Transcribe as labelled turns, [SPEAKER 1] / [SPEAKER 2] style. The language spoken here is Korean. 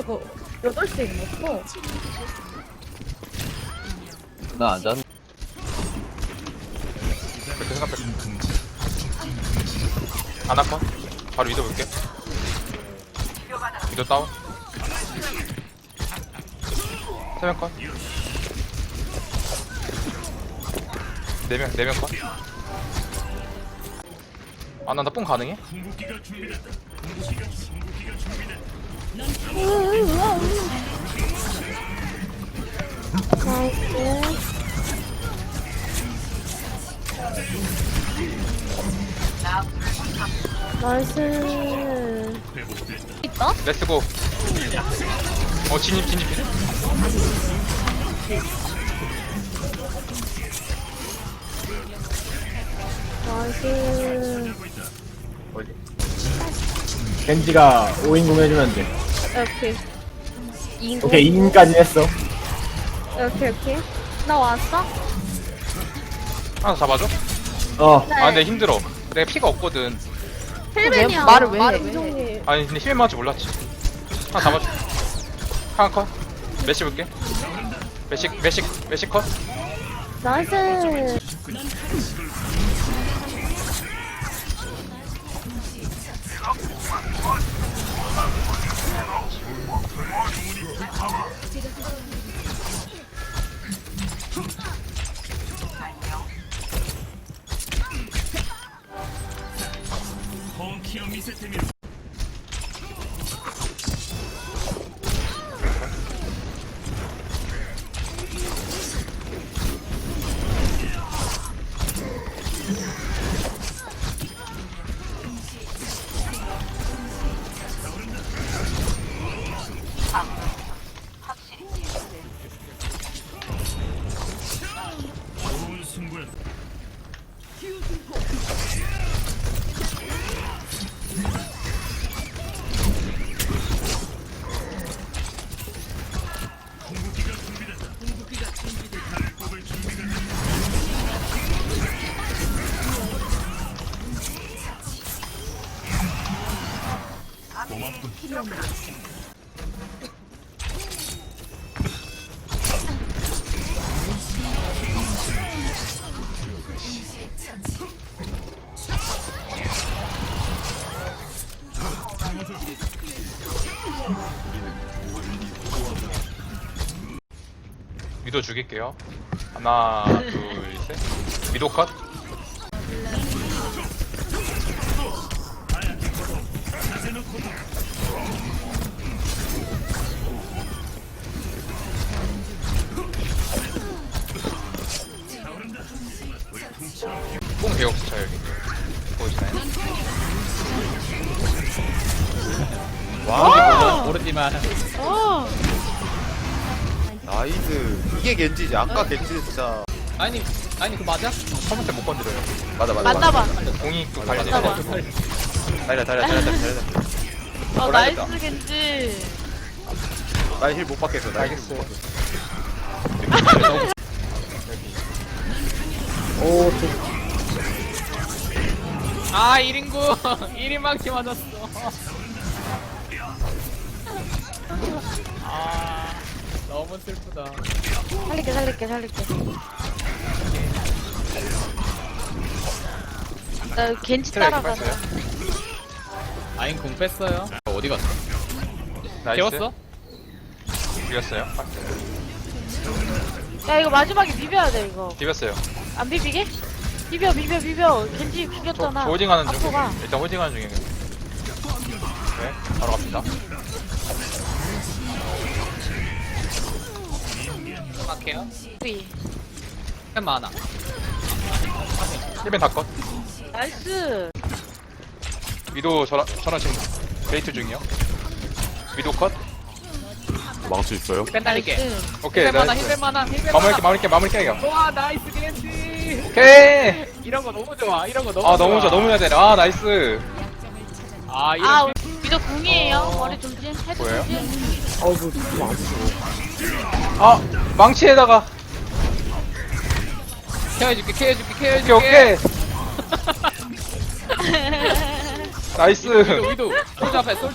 [SPEAKER 1] 저거 8시에 먹고.
[SPEAKER 2] 나안 잤.
[SPEAKER 3] 그렇게 생각해. 아나컷 바로 위도 볼게. 위도 다운. 세명컷. 4명 컷. 아나 뽕 가능해?
[SPEAKER 1] 나이스. 있다?
[SPEAKER 3] 렛츠고. 진입.
[SPEAKER 1] 나이스.
[SPEAKER 3] 어디?
[SPEAKER 4] 겐지가 5인공 해주면 돼.
[SPEAKER 1] 오케이. 2인공.
[SPEAKER 4] 오케이, 2인까지 했어.
[SPEAKER 1] 오케이. 나 왔어?
[SPEAKER 3] 하나 잡아줘?
[SPEAKER 4] 어.
[SPEAKER 1] 네.
[SPEAKER 3] 아 근데 힘들어. 내가 피가 없거든.
[SPEAKER 1] 헬멧이야.
[SPEAKER 5] 말을 왜 해?
[SPEAKER 1] 인종이.
[SPEAKER 3] 아니 근데 힐 맞을 줄 몰랐지. 하나 잡아줘. 하나 컷. 메시 볼게. 메시 컷.
[SPEAKER 1] 나이스.
[SPEAKER 3] 위도 죽일게요. 하나, 둘, 셋. 위도 컷. 뽕 개없어 저 여기. 보이시나요?
[SPEAKER 2] 모르지만.
[SPEAKER 6] 나이스. 이게 겐지지. 아까 겐지 진짜.
[SPEAKER 2] 아니 그 맞아?
[SPEAKER 3] 처음부터 못 건드려요.
[SPEAKER 6] 맞아.
[SPEAKER 5] 맞나봐.
[SPEAKER 3] 공이 또
[SPEAKER 6] 맞아,
[SPEAKER 3] 달려.
[SPEAKER 6] 맞아. 달려.
[SPEAKER 5] 나이스 겐지.
[SPEAKER 6] 나힐 못 받겠어. 나 힐 못
[SPEAKER 3] 알겠어요.
[SPEAKER 6] 받겠어.
[SPEAKER 4] 오,
[SPEAKER 2] 아 1인구 1인방치 맞았어. 아 너무 슬프다.
[SPEAKER 1] 살릴게.
[SPEAKER 5] 나 겐지
[SPEAKER 3] 트레이
[SPEAKER 5] 따라가자.
[SPEAKER 3] 뺐어요.
[SPEAKER 2] 아인 공 뺐어요. 어디 갔어?
[SPEAKER 3] 나이스.
[SPEAKER 2] 깨웠어?
[SPEAKER 3] 비겼어요.
[SPEAKER 5] 야 이거 마지막에 비벼야 돼 이거.
[SPEAKER 3] 비겼어요.
[SPEAKER 5] 안 비비게? 비벼. 겐지 비겼잖아.
[SPEAKER 3] 저 홀딩하는 중.
[SPEAKER 5] 앞으로 가.
[SPEAKER 3] 일단 홀딩하는 중이에요. 네, 바로 갑니다.
[SPEAKER 2] 막해요?
[SPEAKER 5] 위.
[SPEAKER 2] 템 많아.
[SPEAKER 3] 1벤 다 컷.
[SPEAKER 5] 나이스.
[SPEAKER 3] 위도 전화 지금 데이트 중이요. 위도 컷.
[SPEAKER 6] 망치 있어요?
[SPEAKER 2] 뺀 날릴게.
[SPEAKER 5] 나이스.
[SPEAKER 3] 오케이.
[SPEAKER 2] 힐 많아
[SPEAKER 3] 나이스.
[SPEAKER 2] 힐 많아 힐 많아.
[SPEAKER 3] 마무리할게.
[SPEAKER 2] 와 나이스 겐지.
[SPEAKER 3] 오케이.
[SPEAKER 2] 이런 거 너무 좋아. 이런 거 너무
[SPEAKER 3] 아 너무 좋아. 너무 해야 돼. 아 나이스.
[SPEAKER 2] 아 이런.
[SPEAKER 5] 아 위도 궁이에요. 머리 조심. 헤드
[SPEAKER 3] 뭐예요?
[SPEAKER 5] 조심.
[SPEAKER 4] 어이구, 좀 안 쓰고.
[SPEAKER 3] 아 망치에다가.
[SPEAKER 2] 케어해줄게.
[SPEAKER 3] 오케이. 나이스.
[SPEAKER 2] 위도 솔저